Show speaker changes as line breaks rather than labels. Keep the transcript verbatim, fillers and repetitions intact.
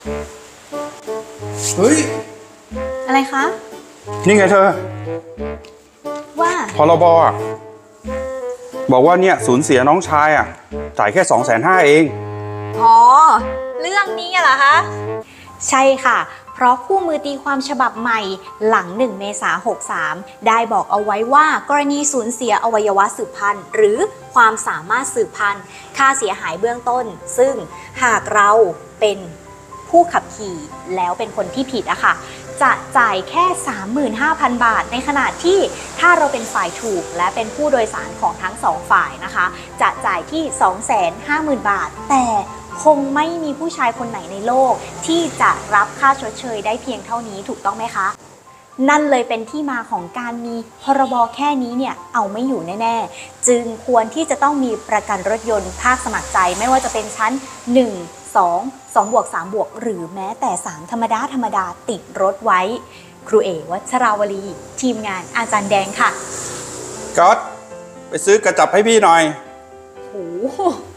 เฮ้ย
อะไรคะ
นี่ไงเธอ
ว่า
พรบอ่ะบอกว่าเนี่ยสูญเสียน้องชายอ่ะจ่ายแค่สองแสนห้าเอง
อ๋อ เรื่องนี้เหรอคะ ใช่ค่ะ เพราะคู่มือตีความฉบับใหม่หลังหนึ่งเมษายนหกสามได้บอกเอาไว้ว่ากรณีสูญเสียอวัยวะสืบพันธุ์หรือความสามารถสืบพันธุ์ค่าเสียหายเบื้องต้น ซึ่งหากเราเป็นผู้ขับขี่แล้วเป็นคนที่ผิดอะค่ะจะจ่ายแค่ สามหมื่นห้าพัน บาท ในขณะที่ถ้าเราเป็นฝ่ายถูกและเป็นผู้โดยสารของทั้งสองฝ่ายนะคะจะจ่ายที่ สองแสนห้าหมื่น บาท แต่คงไม่มีผู้ชายคนไหนในโลกที่จะรับค่าชดเชยได้เพียงเท่านี้ถูกต้องไหมคะ นั่นเลยเป็นที่มาของการมีพรบแค่นี้เนี่ยเอาไม่อยู่แน่ๆจึงควรที่จะต้องมีประกันรถยนต์ภาคสมัครใจไม่ว่าจะเป็นชั้นหนึ่ง สอง สองบวกสามบวกหรือแม้แต่สามธรรมดาธรรมดาติดรถไว้ครูเอวัชราวลีทีมงานอาจารย์แดงค่ะ
ก๊อตไปซื้อกระจับให้พี่หน่อย
โห